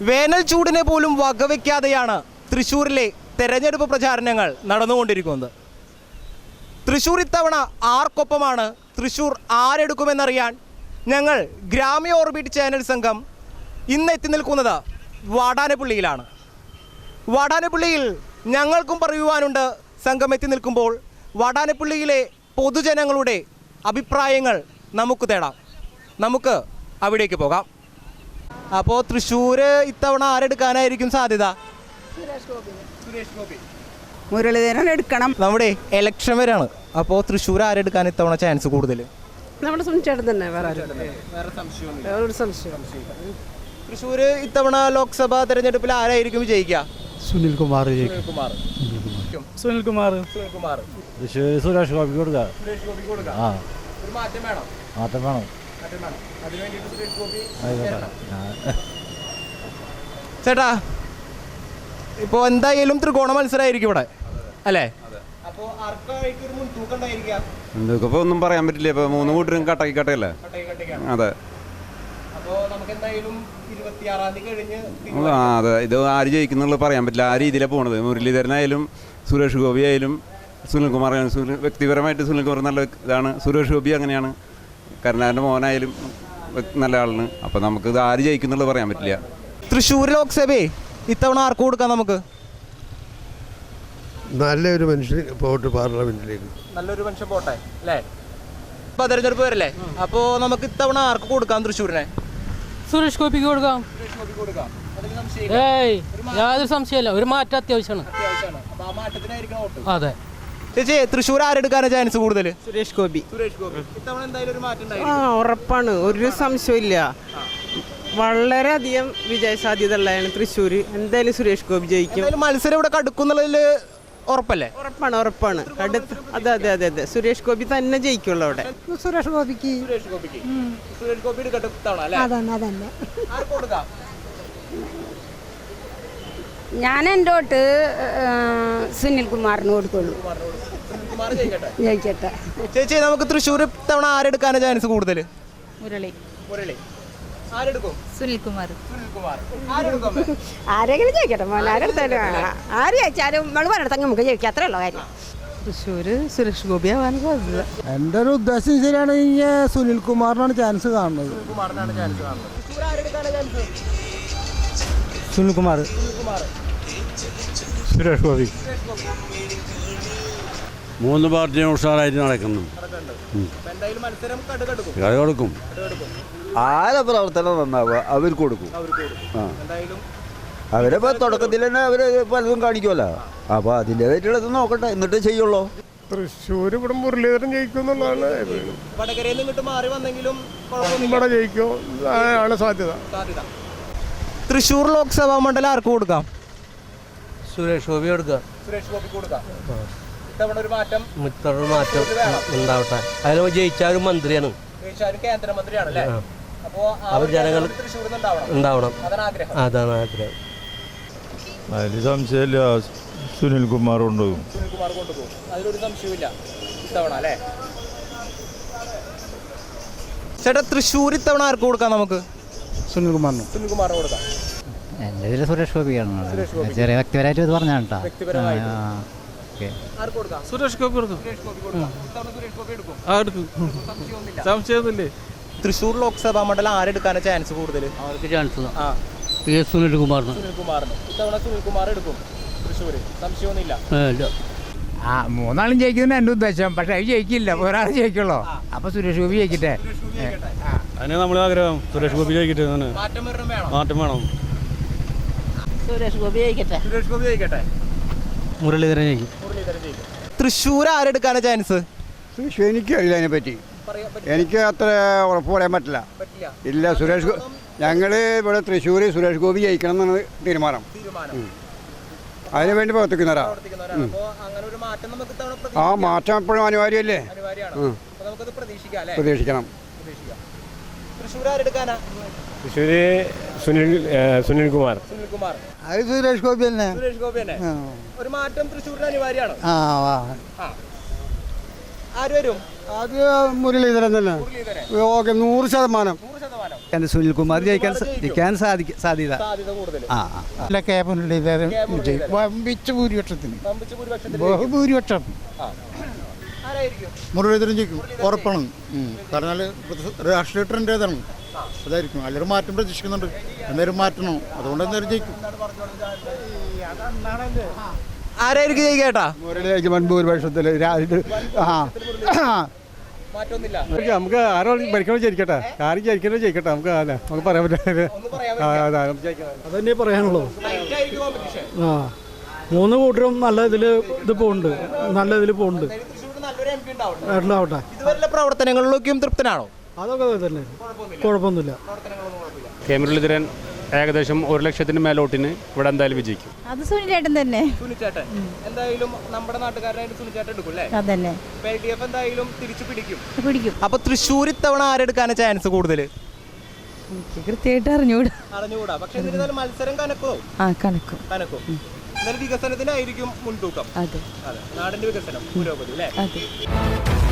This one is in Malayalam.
വേനൽ ചൂടിനെ പോലും വകവയ്ക്കാതെയാണ് തൃശ്ശൂരിലെ തെരഞ്ഞെടുപ്പ് പ്രചാരണങ്ങൾ നടന്നുകൊണ്ടിരിക്കുന്നത്. തൃശ്ശൂർ ഇത്തവണ ആർക്കൊപ്പമാണ്, തൃശ്ശൂർ ആരെടുക്കുമെന്നറിയാൻ ഞങ്ങൾ ഗ്രാമീയ ഓർബിറ്റ് ചാനൽ സംഘം ഇന്ന് എത്തി നിൽക്കുന്നത് വാടാനപ്പള്ളിയിലാണ്. വാടാനപ്പള്ളിയിൽ ഞങ്ങൾക്കും പറയുവാനുണ്ട്. സംഘം എത്തി നിൽക്കുമ്പോൾ വാടാനപ്പള്ളിയിലെ പൊതുജനങ്ങളുടെ അഭിപ്രായങ്ങൾ നമുക്ക് തേടാം. നമുക്ക് അവിടേക്ക് പോകാം. അപ്പോൾ തൃശ്ശൂർ ഇത്തവണ ആരെടുക്കാനായിരിക്കും സാധ്യത? സുരേഷ് ഗോപി. മുരളീധരൻ എടുക്കണം. നമ്മുടെ ഇലക്ഷൻ വരെയാണ്. അപ്പോൾ തൃശ്ശൂർ ആരെടുക്കാൻ ഇത്തവണ ചാൻസ് കൂടുതൽ? നമ്മുടെ സംശയം തന്നെ. തൃശ്ശൂർ ഇത്തവണ ലോക്സഭാ തെരഞ്ഞെടുപ്പിൽ ആരായിരിക്കും വിജയിക്കുക? സുനിൽകുമാർ. സുരേഷ് ഗോപി കൊടുക്കുക. ഒരു മാറ്റം വേണം. മാറ്റം വേണം. ചേട്ടാ, ഇപ്പോൾ എന്തായാലും ത്രികോണ മത്സരമായിരിക്കും ഇവിടെ അല്ലേ? എന്തൊക്കെ ഒന്നും പറയാൻ പറ്റില്ല. ഇപ്പൊ 3 കൂട്ടരും കട്ടാക്കി കട്ടയല്ലേ. അതെ അതെ, ഇത് ആര് ജയിക്കുന്നുള്ള പറയാൻ പറ്റില്ല. ആ രീതിയിലാണ് പോണത്. മുരളീധരനായാലും സുരേഷ് ഗോപി ആയാലും സുനിൽകുമാർ ആയാലും വ്യക്തിപരമായിട്ട് സുനിൽകുമാർ നല്ല ഇതാണ്. സുരേഷ് ഗോപി അങ്ങനെയാണ്. കരുണാകരൻ്റെ മോനായാലും നല്ല ആളാണ്. അപ്പം നമുക്കിത് ആര് ജയിക്കുന്നുള്ള പറയാൻ പറ്റില്ല. തൃശ്ശൂർ ലോക്സഭയെ ഇത്തവണ ആർക്ക് കൊടുക്കാം? നമുക്ക് നല്ലൊരു മനുഷ്യൻ പോട്ട് പാർലമെന്റിലേക്ക്. നല്ലൊരു മനുഷ്യൻ പോട്ടെ അല്ലേ? ഇപ്പൊ തെരഞ്ഞെടുപ്പ് വരല്ലേ? അപ്പോൾ നമുക്ക് ഇത്തവണ ആർക്ക് കൊടുക്കാം തൃശ്ശൂരിനെ? സുരേഷ് ഗോപിക്ക് കൊടുക്കാം. യാതൊരു സംശയമില്ല. ഒരു മാറ്റം അത്യാവശ്യമാണ്. അതെ. ചേച്ചി, തൃശ്ശൂർ ആരെടുക്കാനാണ് ചാൻസ് കൂടുതൽ? സുരേഷ് ഗോപി. ഇത്തവണ എന്തായാലും ഒരു മാറ്റം ഉറപ്പാണ്. ഒരു സംശയമില്ല. വളരെയധികം വിജയ സാധ്യത ഉള്ളതാണ് തൃശ്ശൂർ. എന്തായാലും സുരേഷ് ഗോപി ജയിക്കും. മത്സരം ഇവിടെ കടുക്കുന്നുള്ളതിൽ ഉറപ്പല്ലേ? ഉറപ്പാണ്. അതെ. സുരേഷ് ഗോപി തന്നെ ജയിക്കുള്ളൂ അവിടെ. സുരേഷ് ഗോപിക്ക്. ഞാൻ എൻ്റെ വോട്ട് സുനിൽകുമാറിന് കൊടുക്കുള്ളൂ. ജയിക്കട്ടെ. ചേച്ചി, നമുക്ക് തൃശ്ശൂർ ഇത്തവണ ആരെടുക്കാനാണ് ചാൻസ് കൂടുതൽ? മുരളി. സുനിൽകുമാർ. ആരെങ്കിലും ജയിക്കട്ടെ മോൻ. ആരെടുത്താലും ആര് ജയിച്ചാലും നമ്മൾ പറഞ്ഞെടുത്താൽ നമുക്ക് ജയിക്കാം. അത്രേ ഉള്ളൂ കാര്യം. തൃശ്ശൂർ സുരേഷ് ഗോപി ആവാൻ സാധ്യത. എൻ്റെ ഒരു ഉദ്ദേശം ശരിയാണെങ്കിൽ സുനിൽകുമാറിനാണ് ചാൻസ് കാണുന്നത്. സുനിൽകുമാർ. സുരേഷ് ഗോപി. 3 പാർട്ടിയും ഉഷാറായിട്ട് നടക്കുന്നു. കൊടുക്കും. ആരെ പ്രവർത്തനം നന്നാവുക അവർക്ക് കൊടുക്കും. അവരിപ്പോ തുടക്കത്തിൽ തന്നെ അവര് പലതും കാണിക്കുമല്ലോ. അപ്പൊ അതിൻ്റെതായിട്ടുള്ളത് നോക്കട്ടെ, എന്നിട്ട് ചെയ്യുള്ളൂ. തൃശ്ശൂർ ഇവിടെ മുരളീധരൻ ജയിക്കുന്നുള്ളതാണ്. ഇവിടെ ജയിക്കും ആണ് സാധ്യത. തൃശ്ശൂർ ലോക്സഭാ മണ്ഡലം ആർക്ക് കൊടുക്കാം? സുരേഷ് ഗോപി കൊടുക്കാം. ഇത്തവണ ഒരു മാറ്റം ഉണ്ടാവട്ടെ. അതിൽ ജയിച്ചാലും മന്ത്രിയാണ്. കേന്ദ്രമന്ത്രിയാണല്ലേ? അവർ ജനങ്ങൾ ഉണ്ടാവണം. അതാണ് ആഗ്രഹം. അതിൽ സംശയമില്ല. സുനിൽകുമാർ കൊണ്ടുപോകും. അതിലൊരു സംശയമില്ല ഇത്തവണ അല്ലേ? ചേട്ടാ, തൃശ്ശൂർ ഇത്തവണ ആർക്ക് കൊടുക്കാം നമുക്ക്? സുനിൽകുമാറിന് കൊടുക്കാം. എൻ്റെ ഇതിൽ സുരേഷ് ഗോപിയാണ്. ചെറിയ വ്യക്തിപരമായിട്ട് ഇത് പറഞ്ഞാണ് കേട്ടോ. സുരേഷ് ഗോപി കൊടുക്കും. സംശയമൊന്നുമില്ലേ? തൃശ്ശൂർ ലോക്സഭാ മണ്ഡലം ആരെടുക്കാനാണ് ചാൻസ് കൂടുതൽ? അവർക്ക് ചാൻസ് സുനിൽകുമാറിന്. ഇത്തവണ സുനിൽകുമാർ എടുക്കും തൃശ്ശൂർ. സംശയമൊന്നുമില്ല. 3 ജയിക്കുന്ന എൻ്റെ ഉദ്ദേശം. പക്ഷെ അത് ജയിക്കില്ല, ഒരാൾ ജയിക്കുള്ളൂ. അപ്പൊ സുരേഷ് ഗോപി ജയിക്കട്ടെ. അതിന് നമ്മളെ ആഗ്രഹം സുരേഷ് ഗോപി ജയിക്കട്ടെ. മാറ്റം വേണം. സുരേഷ് ഗോപി ജയിക്കട്ടെ. മുരളീധരൻ ജയിക്കും. തൃശ്ശൂർ ആരെടുക്കാനാണ് ചാൻസ്? തൃശ്ശൂർ എനിക്കറിയില്ല അതിനെപ്പറ്റി. എനിക്ക് അത്ര ഉറപ്പ് പറയാൻ പറ്റില്ല. ഇല്ല, ഞങ്ങൾ ഇവിടെ തൃശ്ശൂർ സുരേഷ് ഗോപി ജയിക്കണം എന്നാണ് തീരുമാനം. അതിനു വേണ്ടി പ്രവർത്തിക്കുന്നവരാ. ആ മാറ്റം എപ്പോഴും അനിവാര്യമല്ലേ? പ്രതീക്ഷിക്കണം. സുനിൽകുമാർ. അത് സുരേഷ് ഗോപി തന്നെ. ഒരു മാറ്റം തൃശ്ശൂരിന് അനിവാര്യമാണ്. ആര് വരും? അത് മുരളീധരൻ തന്നെ. ഓക്കെ, 100%. സുനിൽകുമാർ ജയിക്കാൻ സാധ്യത സാധ്യത കൂടുതൽ ഭൂരിപക്ഷത്തിന് വമ്പിച്ച ഭൂരിപക്ഷത്തിൽ ബഹുഭൂരിപക്ഷം ആരായിരിക്കും? മുരളീധരൻ ജയിക്കും ഉറപ്പാണ്. കാരണം രാഷ്ട്രീയ ട്രെൻഡ് ഏതാണ് അതായിരിക്കും. എല്ലാവരും മാറ്റം പ്രതീക്ഷിക്കുന്നുണ്ട്. എന്തായാലും മാറ്റണോ, അതുകൊണ്ട് എന്തായാലും ജയിക്കും. ആരായിരിക്കും ജയിക്കേട്ടാ? മുരളീധരൻ ഭൂരിപക്ഷത്തിൽ മാറ്റമൊന്നുമില്ല. നമുക്ക് ആരോ ഭരിക്കണോ ജയിക്കട്ടെ, ആരും ജയിക്കണോ ജയിക്കട്ടെ, നമുക്ക് നമുക്ക് പറയാൻ പറ്റില്ല. അതന്നെ പറയാനുള്ളൂ. Tight ആയിരിക്കും competition. മൂന്ന് കൂട്ടരും നല്ല ഇതിൽ പോകുന്നുണ്ട്, നല്ല ഇതിൽ പോകുന്നുണ്ട്. തൃശ്ശൂരിൽ നല്ലൊരു MP ഉണ്ടാവട്ടെ. ആവട്ടെ. ഇതുവരെയുള്ള പ്രവർത്തനങ്ങളിലൊക്കെയും തൃപ്തനാണോ? അതൊക്കെ തന്നെ, കുഴപ്പമൊന്നുമില്ല. കെ മുരളീധരൻ ഏകദേശം 1 ലക്ഷത്തിന് മേലോട്ടിന് ഇവിടെ എന്തായാലും വിജയിക്കും. അത് സുനിലേട്ടൻ തന്നെ. സുനിച്ചേട്ടൻ എന്തായാലും നമ്മുടെ നാട്ടുകാരനായിട്ട് സുനിച്ചേട്ടൻ എടുക്കും അല്ലേ? അതന്നെ LDF എന്തായാലും തിരിച്ചു പിടിക്കും. പിടിക്കും. അപ്പൊ തൃശ്ശൂർ ഇത്തവണ ആരെടുക്കാനാ ചാൻസ് കൂടുതൽ? കൃത്യമായിട്ട് അറിഞ്ഞൂടാ. അറിഞ്ഞുകൂടാ. പക്ഷെ എന്നിരുന്നാലും മത്സരം കനക്കോ? കണക്കും. എന്നാലും വികസനത്തിനായിരിക്കും മുൻതൂക്കം. അതെ നാടിന്റെ വികസനം, പുരോഗതി അല്ലേ? അതെ.